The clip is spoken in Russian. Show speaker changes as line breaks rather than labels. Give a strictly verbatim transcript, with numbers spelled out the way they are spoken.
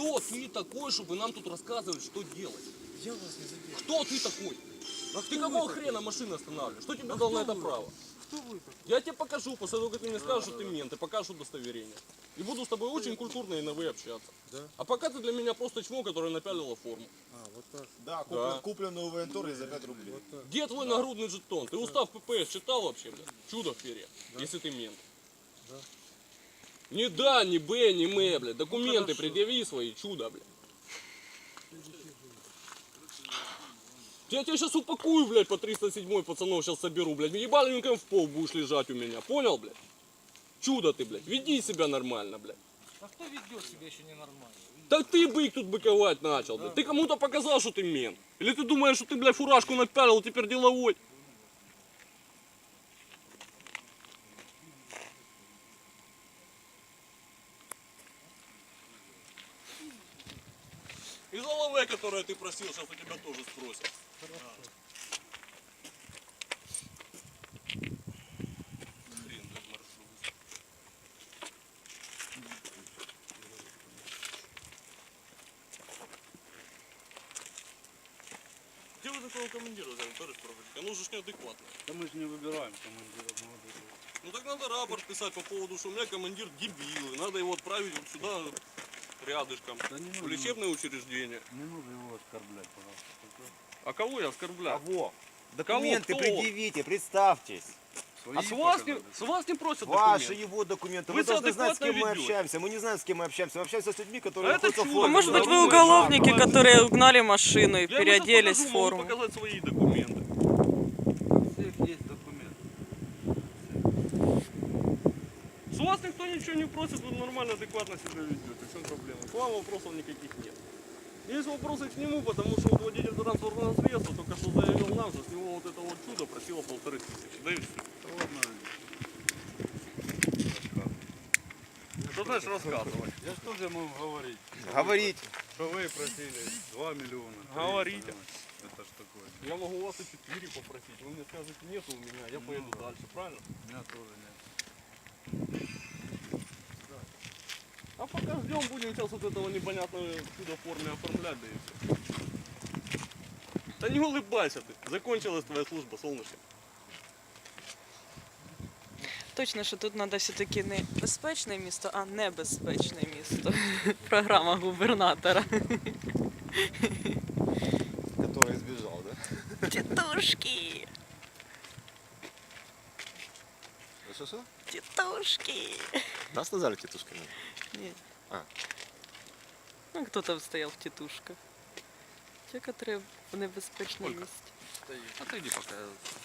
Кто ты такой, чтобы нам тут рассказывать, что делать?
Я вас не задерживаю.
Кто ты такой?
А
Ты
кто
какого
вы
хрена машину останавливаешь? Что тебе
А
дал
кто
на это
вы?
право?
Кто вы такой?
Я тебе покажу, после того, как ты мне скажешь, что ты мент, и покажешь удостоверение. И буду с тобой очень культурно и на вы общаться.
Да?
А пока ты для меня просто чмо, которое напялило форму.
А, вот так.
Да, куплен,
Да.
купленную у военторги за пять рублей.
Вот так.
Где твой нагрудный жетон? Ты устав ППС читал вообще, блядь? Чудо в перья, если ты мент.
Да.
Ни да, ни Б, ни М, блядь. Документы
хорошо.
предъяви свои, чудо, блядь. Я тебя сейчас упакую, блядь, по триста седьмой пацанов сейчас соберу, блядь. Ебаленьком в пол будешь лежать у меня, понял, блядь? Чудо ты, блядь. Веди себя нормально, блядь.
А кто ведет себя еще ненормально?
Так ты бык тут быковать начал, блядь. Ты кому-то показал, что ты мент. Или ты думаешь, что ты, блядь, фуражку напялил, теперь деловой? И за лаве, которое ты просил, сейчас у тебя тоже спросят. Хрен, блядь, маршрут. Где вы такого командира взяли, товарищ прапорщик? А ну же ж неадекватно.
Да мы же не выбираем командира молодого.
Ну так надо рапорт писать по поводу, что у меня командир дебил, и надо его отправить вот сюда рядышком,
Да не
в
нужно,
лечебное учреждение.
не нужно его оскорблять, пожалуйста. Только
А кого я оскорбляю?
Кого? Документы
Кто?
предъявите, представьтесь.
свои
А с вас, не,
показали.
с вас не просят
Ваши
документы.
его документы.
Вы
Вы,
себя
должны знать, с кем
адекватно
мы
ведете.
общаемся. Мы не знаем, с кем мы общаемся. Мы общаемся с людьми, которые
А это
находятся в
чудо.
форме.
А
Может быть, вы
Вы
уголовники,
знаете.
которые угнали машину и
Я ему
переоделись
сейчас
в
покажу, могу
форму.
показать свои документы.
У всех есть документы.
С вас никто ничего не просит, вы нормально, адекватно себя ведете. В чем проблема? К вам вопросов никаких нет. Есть вопросы к нему, потому что вот водитель транспортного средства только что заявил нам, что с него вот это вот чудо просило полторы тысячи. Да и все.
Да ладно,
Что значит рассказывать?
я что же могу говорить?
Говорить.
Что вы просили два миллиона. три,
Говорите.
понимаете? Это ж такое.
Я могу у вас и четыре попросить. Вы мне скажете, нету у меня, я поеду
Ну,
дальше, правильно?
У меня тоже нет.
А пока ждем, будем сейчас вот этого непонятного чудо в форме оформлять, да и все. Да не улыбайся ты, закончилась твоя служба, солнышко.
Точно, що тут треба все-таки не безпечне місто, а небезпечне місто. Програма губернатора.
Который сбежал, да?
Тітушки!
Что-что?
Тітушки!
Нас назвали тетушками.
Ні.
А.
Ну, хто там стояв в тітушках? Ті, які в небезпечному
Сколько?
місці.
Отойди пока.